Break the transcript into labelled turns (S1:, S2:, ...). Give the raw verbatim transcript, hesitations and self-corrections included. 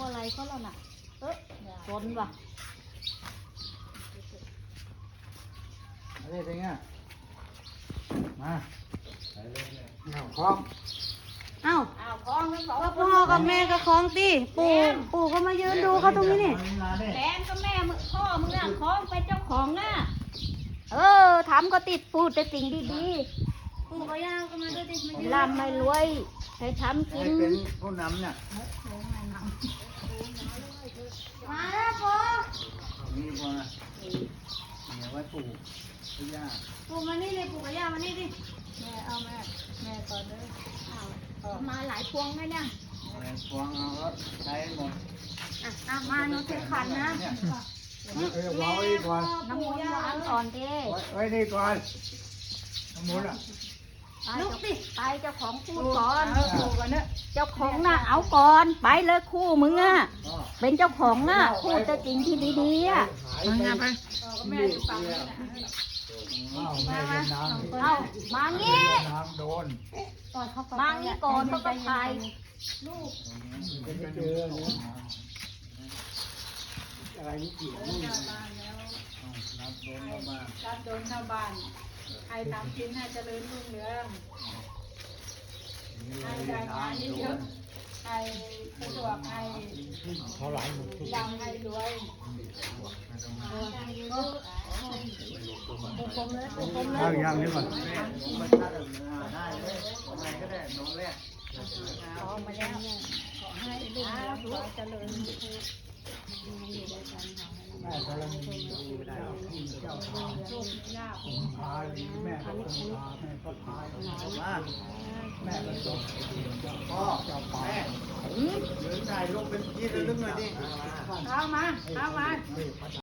S1: อะไรเขาแล้วน่ะเออสนว่ะ
S2: อะไรเป็นไงมาเอาคล้อง
S1: เอ้า
S3: อ้าวคล้องทั้งสอง
S1: ก็พ่อกับแม่ก็คล้องตีปู่ปู่ก็มายืนดูเขาตรงนี้นี่
S3: แหลมก็แม่มึงพ่อมึงอ่ะคล้องเป็นเจ้าของน่ะ
S1: เออทำก็ติดพูดแต่สิ่งดีๆปู่ก็ย่างก็มาด้วยติไม่ร่ำไม่รวยให้ทำกิ
S2: ให้
S1: น
S2: เป็นผู้นำเนี่ย
S1: มาแล้วปู่
S2: มีพอนะเนี่ยไว้ปลูกที่ย่า
S1: ปู่มานี่เลยปู่กับย่ามานี่ดิ
S3: แม่เอาแม่แม่ก่อนเลย
S1: มาหลายพวงเลยเนี่ย
S2: อะไรฟองเอาก็ใช้หมด
S1: อ่ะอ่ะมาหนูถือขันนะ
S2: เนี่ยเออวางไว้ก่อน
S1: น้ำมูลหวานอ่อนเด้
S2: ไว้ไว้นี่ก่อนน้ำมูลอ่ะ
S1: ลุกสิไปเจ้าของพูดก่อน
S3: เอาถูกกันเนอะ
S1: เจ้าของน่ะเอาก่อนไปเลยคู่มึงอ่ะ
S2: อ๋อ
S1: เป็นเจ้าของน่ะพูดแต่จริงที่ดีๆอ่ะ
S2: หายไป
S3: เออก็แม่อยู่ฝั่งนี้นะ
S2: อ้าวแม่เป็นน้ำ
S1: เอามางี้
S2: น้ำโดน
S1: มางี้ก่อนเขาก็ไป
S2: เป็นไปเจอเนี่ยอะไรนี่เกี่ยวนี่
S3: หน้าบ้านแล้ว
S2: น้ำโดนเข้ามา
S3: รับโดนเข้าบ้านให้ทำกินให้เจริญรุ่งเรืองให้ได้งานเยอะๆให้สะดวกให้
S2: เขาหลายหมดทุก
S3: ดังให้รวย
S2: ข้าวยังนี่ก่อนแม่มาชาติได้เลยอะไรก็ได้น้องแรก
S3: ขอมาแล้วขอให้ลูกหลานขอเจริญ
S2: แม่กำลังดูได้ที่เจ้าทาง
S3: โชคลาภ
S2: พาดีแม่ก็คงพาแม่ก็พามาแม่ก็จบพ่อเจ้าป่าเดินถ่ายลงเป็นที่ระลึกหน่อยดิ
S3: เอามาเอามา